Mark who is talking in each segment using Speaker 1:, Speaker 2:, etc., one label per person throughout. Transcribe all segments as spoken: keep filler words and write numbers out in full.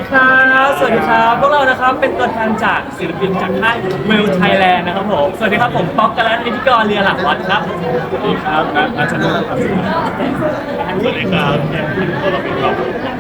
Speaker 1: ครับสวัสดีครับพวกเรานะครับเป็นตัวแทนจากศิลปินจากค่ายเวลไทยแลนด์นะครับผมสวัสดีครับผมป๊อกกะและพิธีกรเรือหลักวัดครับสวัสดีครับนัทนัชนนท์ครับสวัสดีครับก็เราเป็นเรา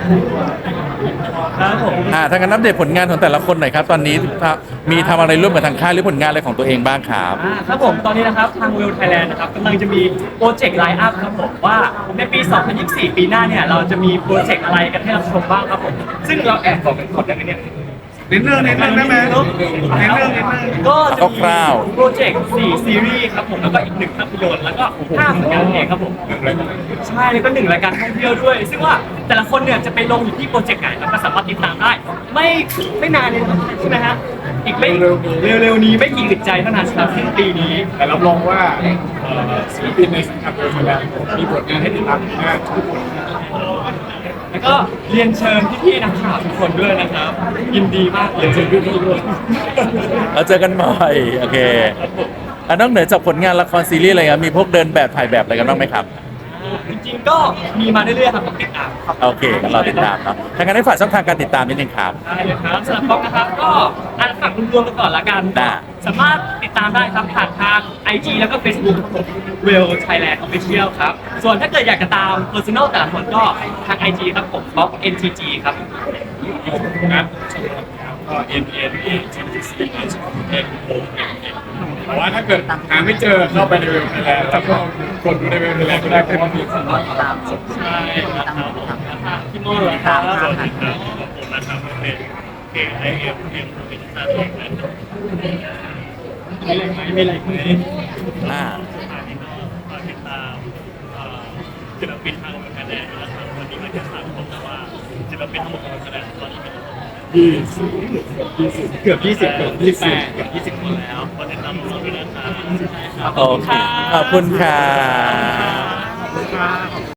Speaker 1: ครับผม
Speaker 2: อ่าถ้างั้นอัปเดตผลงานของแต่ละคนหน่อยครับตอนนี้มีทำอะไรร่วมกับทางค่ายหรือผลงานอะไรของตัวเองบ้างครับ
Speaker 1: อ่าครับผมตอนนี้นะครับทางเวลไทยแลนด์นะครับกำลังจะมีโปรเจกต์ไลน์อัพครับผมว่าในปี สองพันยี่สิบสี่ ปีหน้าเนี่ยเราจะมีโปรเจกต์อะไรกันให้รับชมบ้างครับผมซึ่งเราแอบบอกกันก่อนได้ไหมเนี่ย
Speaker 3: นิดนึงนิดนึงได้ไหมนิดนึงนิดนึง
Speaker 1: ก็จะมี
Speaker 2: คร่าวๆ
Speaker 1: โปรเจกต์สี่ซีรีส์ครับผมแล้วก็อีกหนึ่งภาพยนตร์แล้วก็ห้าผลงานเพลงครับผมใช่แล้วก็หนึ่งรายการท่องเที่ยวด้วย ซึ่งว่าแต่ละคนเนี่ยจะไปลงอยู่ที่โปรเจกต์ไหนเราก็สามารถติดตามได้ ไม่ไม่นานเลยใช่ไหมฮะอีกไม่เร็วๆนี้ไม่กี่อึดใจเท่านั้นครับสิ้นปีนี้
Speaker 3: แต่รับรองว่าเอ่อศิลปินในสังกัดเวลไทยแลนด์มีผลงานให้ติดตามอีกมากทุกคน
Speaker 1: แล้วก็เรียนเชิญพี่ๆนักข่าวทุกคนด้วยนะครับยินดีมากเลยเชิญพี่ๆด้วย
Speaker 2: เราเจอกันบ่อยโอเคอ่ะนอกเหนือจากผลงานละครซีรีส์อะไรครับมีพวกเดินแบบถ่ายแบบอะไรกันบ้างไหมครับ
Speaker 1: จริงๆก็มีมาเรื่อยๆครับต้องติดตามครับ
Speaker 2: โอเคงั้นเราติดตามครับถ้างั้นให้ฝากช่องทางการติดตามนิดนึงครับ
Speaker 1: ได้เลยครับสำหรับป๊อกนะครับก็อ่านฝากรวมๆกันก่อนละกัน
Speaker 2: ได้
Speaker 1: สามารถติดตามได้ครับผ่านทาง ไอ จี แล้วก็ Facebook ครับผม เวล ไทยแลนด์ ออฟฟิเชียล ครับส่วนถ้าเกิดอยากจะตาม Personal แต่ละคนก็ทาง ไอ จี ครับผมป๊อก เอ็น ที จี ครับ
Speaker 3: นะก็ N N A T C H N O M N แต่ว่าถ้าเกิดหาไม่เจอเข้าไปในเว็บไทยแลนด์แล้วก็กดดูในเว็บไทยแลนด์ก็ได้เพราะว่ามีคนตามสด
Speaker 1: ใช่ครับผมพี่โม่เหรอครับสวัสดีครับผมนะครับเป็น K I M M เป็นภาษาไทยนะครับไม่ไรไหมไม่ไรไหม
Speaker 2: อ่า
Speaker 1: ฝากติดตามศิลปินทางการแสดงนะครับวันนี้มาแค่สามคนแต่ว่าศิลปินทั้งหมดของการแสดงตอนนี้เป็นยี่สิบยี่สิบเกือบยี่สิบเกือบยี่สิบแปดเกือบยี่สิบคนแล้วขอติดตามเราด้วยนะครับ
Speaker 2: โอเคขอบคุณค่ะ
Speaker 1: ขอบคุณครับ